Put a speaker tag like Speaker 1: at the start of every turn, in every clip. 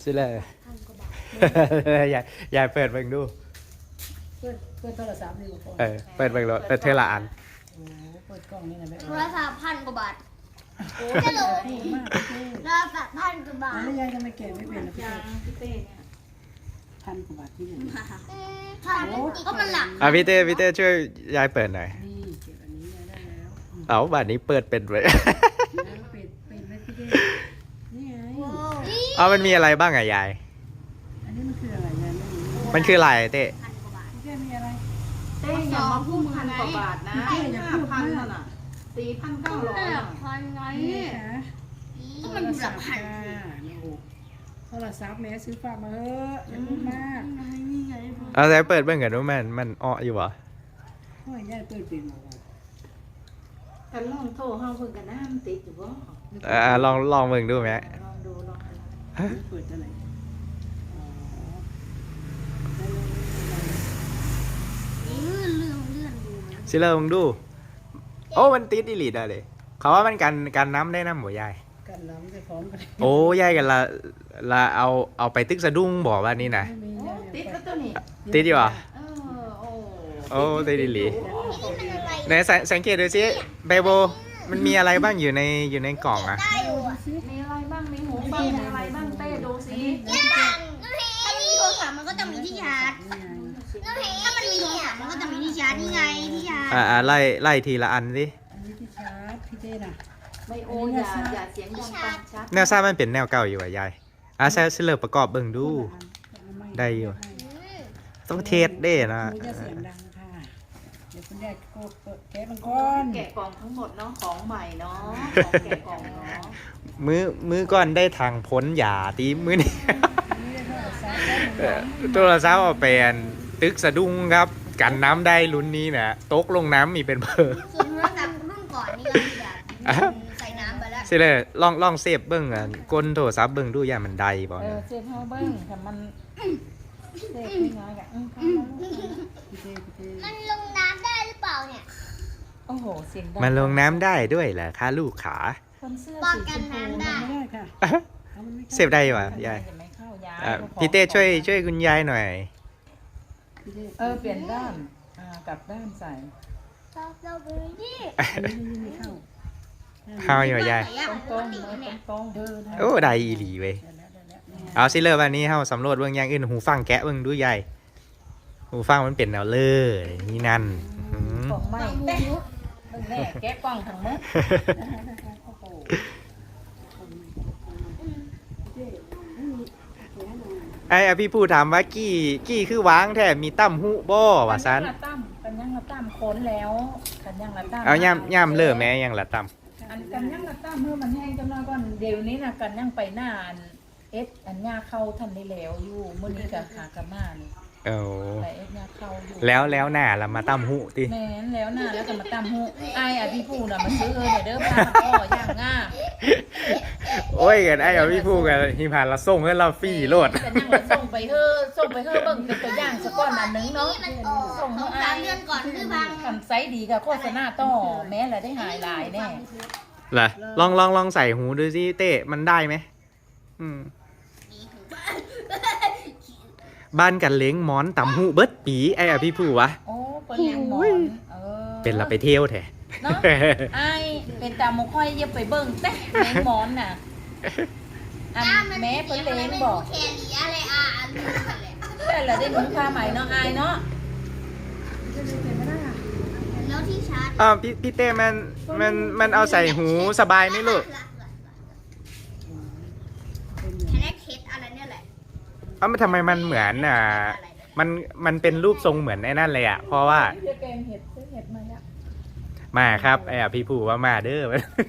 Speaker 1: สิเลยยายเปิดเบิ่งดู
Speaker 2: เปิดโทรศัพท์นี่ก่อน
Speaker 1: เปิดเบิ่งรถเปิดเทละอัน
Speaker 2: โอ้เปิดกล้องนี่นะแม่
Speaker 3: โทรศัพท์1,000 กว่าบาท
Speaker 2: โอ้จะลงมากพี่
Speaker 3: รอบแบบ1,000 กว่าบาท
Speaker 2: แล้วยายจะไม่แก่ไม่เป็นนะพี่
Speaker 4: พี่เต้เนี่ย
Speaker 2: 1,000 กว่าบาทที่นี่
Speaker 3: ก็มันหลัก
Speaker 1: พี่เต้ช่วยยายเปิดหน่อย
Speaker 2: นี่เก็บอันนี้ได้แล้ว
Speaker 1: เอาบัตรนี้เปิดเป็นไว้
Speaker 2: ปิดไว้พี่เต้นี่ไง
Speaker 1: เอามันมีอะไรบ้างอะยาย
Speaker 2: อันนี้มันคืออะไรยายไม่รู้
Speaker 1: มันคืออะไรเต้
Speaker 2: พี่เต้มีอะไร
Speaker 4: เต้อย่ามาพูด1,000 กว่าบาทนะ5,000นั่นน่ะ4,900
Speaker 3: 1,000ไง
Speaker 2: ก็มันหลักพันโทรศัพท์แม่ซื้อฝากมาเถอะอย่าพูดมาก
Speaker 1: เอาแต่เปิดเบิ่งกันดูมันอ้ออยู่บ่
Speaker 2: โอ้ยยายเปิดเป็นหมด
Speaker 4: กันลองโทรห้องเพิ่นกันนะมันติดอยู่บ่
Speaker 1: ลองเบิ่งดูไหม
Speaker 4: ลองดู
Speaker 2: เปิดอะไร
Speaker 1: สิเริ่มดูโอ้มันติดอีหลีได้เลยเขาว่ามันกันน้ำได้น้ำหมูยาย
Speaker 2: กันน้ำจะพร้อมกัน
Speaker 1: โอ้ยายกันละเอาไปตึกสะดุ้งบอกว่านี่นะ
Speaker 4: ติดแล้วตัวนี้
Speaker 1: ติดอยู่อ่ะ
Speaker 4: โอ้
Speaker 1: ติดอีหลีไหนสังเกตดูสิเบโบมันมีอะไรบ้างอยู่ในกล่องอ่ะ
Speaker 4: มีอะไรบ้างมีหูฟังมีอะไรบ้างเต้ดูสิ
Speaker 3: ถ้ามีโทรศัพท์มันก็จะมีที่ชาร์จถ้ามันมีโทรศัพท์มันก็จะมีที่ชาร์จนี่ไงที่ชาร์จ
Speaker 1: ไล่ทีละอันสิ
Speaker 2: อันนี้ที่ชาร์จพี่เต้น่ะ
Speaker 4: ไม่โอ้อย่าเสียงดังปังชัด
Speaker 1: แนวซ่ามันเป็นแนวเก่าอยู่อ่ะยายใช้สิเลิกประกอบเบิ่งดูได้อยู่ต้องเทสได้นะ
Speaker 2: จะเสียงดังค่ะเดี๋ยวคุณยายแกะมังกร
Speaker 4: แกะกล่องทั้งหมดเนาะของใหม่เนาะของแกะกล่องเนาะ
Speaker 1: มือก่อนได้ทางพ้นหยาตีมือนี่ตัวละซ้ำเอาเป็นตึกสะดุ้งครับกันน้ำได้ลุ้นนี้นะตกลงน้ำมีเป็นเบอร์
Speaker 3: ส่วนโทรศัพท์รุ่นก่อนนี่ก็แบบใส่น้ำไปแล้ว
Speaker 1: สิเลยลองเซฟเบิ้งอ่ะก้นโทรศัพท์เบิ้งดูอย่ามันได้บ่
Speaker 4: เนี่ยเซฟเฮาเบิ้งแต่มันเซฟน้อยๆอ่ะ
Speaker 3: มันลงน้ำได้หรือเปล่าเนี่ย
Speaker 4: โอ้โหเสียงดัง
Speaker 1: มันลงน้ำได้ด้วยเหรอคะลูกขา
Speaker 3: ป้องกันน้ำได้
Speaker 1: เซฟได้ป่ะยายพี่เต้ช่วยคุณยายหน่อย
Speaker 4: เปลี่ยนด้านกลับด้านใส่
Speaker 3: เราไปนี่
Speaker 1: เข้าอยู่ยาย
Speaker 4: ตรง
Speaker 1: โอ้ได้อีหลีเว้ยเอาสิเลยวันนี้เข้าสำรวจเบื้องอย่างอื่นหูฟังแกะเบื้องดูยายหูฟังมันเป็นแนวเลอร์นี่นั่น
Speaker 4: ของใหม่แม่แกะกล่องทั้งหมด
Speaker 1: พี่ผู้ถามว่ากี้คือวางแท้มีตั้มหูบ่ว่าซัน
Speaker 4: กันยังละตั้มค้นแล้วกันยังละตั้ม
Speaker 1: เอาย่ำเลิศแม่ยังละตั้ม
Speaker 4: อันกันยังละตั้มเมื่อมันแห้งจำนวนก่อนเดี๋ยวนี้นะกันยังไปหน้าอันยาเข้าทันได้แล้วอยู่มื้อนี้ก็หากระมานี่ไปยาเข้าอยู่
Speaker 1: แล้วหน้าละมาตั้มหูติ
Speaker 4: แม่นแล้วหน้าแล้วก็มาตั้มหูพี่ผู้น่ะมาซื้อเด้อพาพ่อย่างง่า
Speaker 1: โอ้ยกันพี่ผู้กันหิพานละส่งให้เราฟรีโลด
Speaker 4: กันยังละส่งไปเฮ้อเบิ่งเป็นตัวอย่างสักก้อนอันนึงเนาะ
Speaker 3: ส่ง3 เดือนก่อนคือพัง
Speaker 4: ทำไซส์ดีกับโฆษณาต่อแม้ละได้หายหลายแน่
Speaker 1: ล่ะลองใส่หูดูสิเต้มันได้ไหมบ้านกันเล้งหมอนต่ำหูเบิดปีพี่ผู้วะ
Speaker 4: โอ้เป็นแหงหมอน
Speaker 1: เป็นเราไปเที่ยวแท้
Speaker 4: เนาะเป็นตาหมูค่อยอย่าไปเบิ่งแต่แมงหมอนน่ะแม่เพิ่นเล้งบอก
Speaker 3: แคลีอะไร
Speaker 4: แต่ละได้หนุนค่าใหม่เนาะเนาะ
Speaker 3: แล้วที่ชาร์จ
Speaker 1: พี่เต้มันเอาใส่หูสบายไหมลูก
Speaker 3: อะไรเนี่ยแหละ
Speaker 1: มันทำไมมันเหมือนมันเป็นรูปทรงเหมือนไอ้นั่นเลยอ่ะเพราะว่ามาครับพี่ผู้ว่ามาเด้อ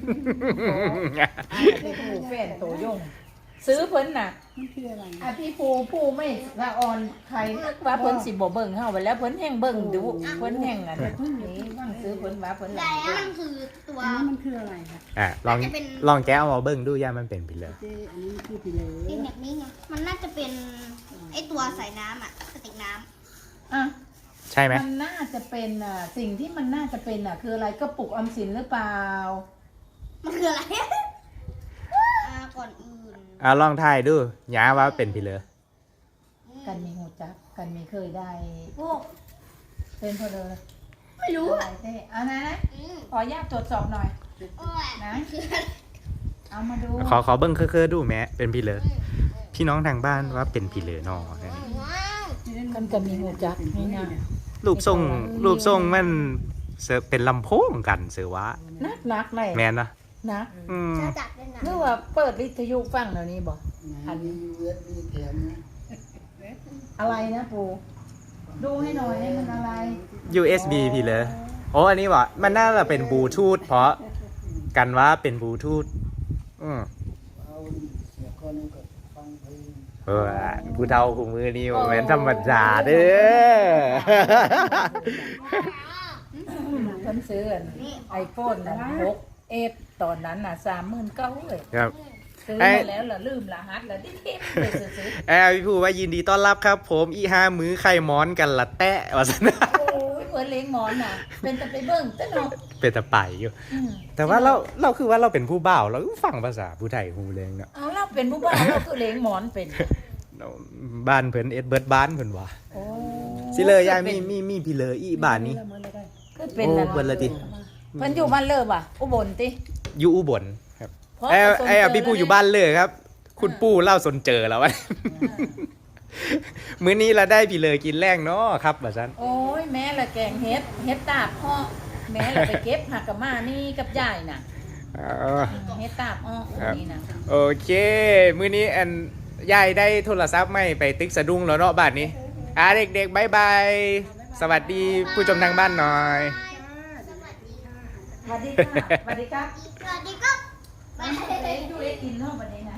Speaker 4: พี่ผู้แฟนโตยงซื้อเพิ่นน่ะพี่ผู้ไม่ละอ่อนใครว่าเพิ่นสิบ่เบิ่งเฮาไปแล้วเพิ่นแห้งเบิ่งดูเพิ่นแห้งนี่ว่างซื้อเพิ่นว่าเพิ่นหลาย
Speaker 3: มันคือตัว
Speaker 2: มันคืออะไรคะ
Speaker 1: ลองแกะเอามาเบิ่งดูย่ามันเป็นพิเลอร์
Speaker 2: อันนี้คือพิเลอร์
Speaker 3: เป็นแบบนี้ไงมันน่าจะเป็นไอตัวใส่น้ำกระติกน้
Speaker 1: ำใช่ไหม
Speaker 4: มันน่าจะเป็นสิ่งที่มันน่าจะเป็นคืออะไรกระปุกออมสินหรือเปล่า
Speaker 3: มันคืออะไรก่อนอื่น
Speaker 1: ลองทายดูหยาว่าเป็นพี่เหลือ
Speaker 4: กันมีหูจักกันมีเคยได้
Speaker 3: โอ้
Speaker 4: เป็นพอเลย
Speaker 3: ไม่รู้
Speaker 4: อะไรเต้เอานะขออนุญาตตรวจสอบหน่อย
Speaker 3: โอ้ย
Speaker 4: นะเอามาดู
Speaker 1: ขอเบิ้งเคอๆดูแม่เป็นพี่เหลือพี่น้องทางบ้านว่าเป็นพี่เหลือนอ
Speaker 4: กันก็มีหูจักนี่นะ
Speaker 1: รูปทรงมันเป็นลำโพงกันเสือวะ
Speaker 4: นักเลย
Speaker 1: แมนนะ
Speaker 4: นัก
Speaker 1: อืม
Speaker 3: จะจัดเป็นหนัง
Speaker 4: หรือว่าเปิดวิทยุฟังเดี๋ยวนี้บอก
Speaker 2: อันนี้ USB แถมนะ
Speaker 4: อะไรนะปูดูให้หน่อยให้มันอะไร
Speaker 1: USB พี่เหลือโอ้อันนี้วะมันน่าจะเป็นบลูทูธเพราะกันว่าเป็นบลูทูธ
Speaker 2: เอาเสียก่อนนึงก็ฟังเพลง
Speaker 1: ผู้เฒ่าคู่มือนี่บ่แม่นธรรมดาเด้อ
Speaker 4: เพิ่นซื้อไอโฟนนะ6 ตอนนั้นน่ะ39,000เลย
Speaker 1: ครับ
Speaker 4: ซื้อมาแล้วล่ะลืมรหัสแล้วที่ไปซื้อ
Speaker 1: พี่ผู้ว่ายินดีต้อนรับครับ ผมอีห้ามือไข่ม้อนกันละแตะว่าซั่นนะ
Speaker 4: โอ้ยเพิ่นเลี้ยงหมอนน่ะ เป็นแต่ไปเบิ่งแต่เนาะ
Speaker 1: เป็นตะไปอยู่ แต่ว่าเราคือว่าเราเป็นผู้บ่าวเราฟังภาษาผู้ไทยฮู้เลยเนาะ
Speaker 4: เอาเราเป็นผู้บ้านเราคือเลี้ยงหมอนเป็น
Speaker 1: บ้านเพิ่นเอ็ดเบิร์ดบ้านเพิ่นว่า
Speaker 4: โอ้
Speaker 1: สิเลยยายมีพี่เลยอีบ้านนี้
Speaker 4: คือเป็น
Speaker 1: โอ้
Speaker 4: แล้ว
Speaker 1: เพิ่นละติ
Speaker 4: เพิ่นอยู่บ้านเลิศว่ะอุบลติ
Speaker 1: อยู่อุบลครับ
Speaker 4: เพราะ
Speaker 1: ไอ้พี่ผู้อยู่บ้านเลยครับ คุณปู่เล่าสนเจอแล้ววะ มื้อนี้เราได้พี่เลยกินแรงเนาะครับว่าซั่น
Speaker 4: โอ้ยแม่ละแกงเฮ็ดตาบพ่อแม่ละไปเก็บผักกับมานี่กับยายน่ะ เฮ็ดตาบอ้อนี่นะ
Speaker 1: โอเค มื้อนี้อันยายได้โทรศัพท์ใหม่ไปติ๊กสะดุ้งแล้วเนาะบัดนี้เด็กๆบ๊ายบายสวัสดีผู้ชมทางบ้านหน่อย
Speaker 4: สวัสดีค่ะสวัสดีครับ
Speaker 3: สวัสดีครับ
Speaker 4: ไปเฮ็ดดูเฮ็ดกินเนาะบัดนี้น่ะ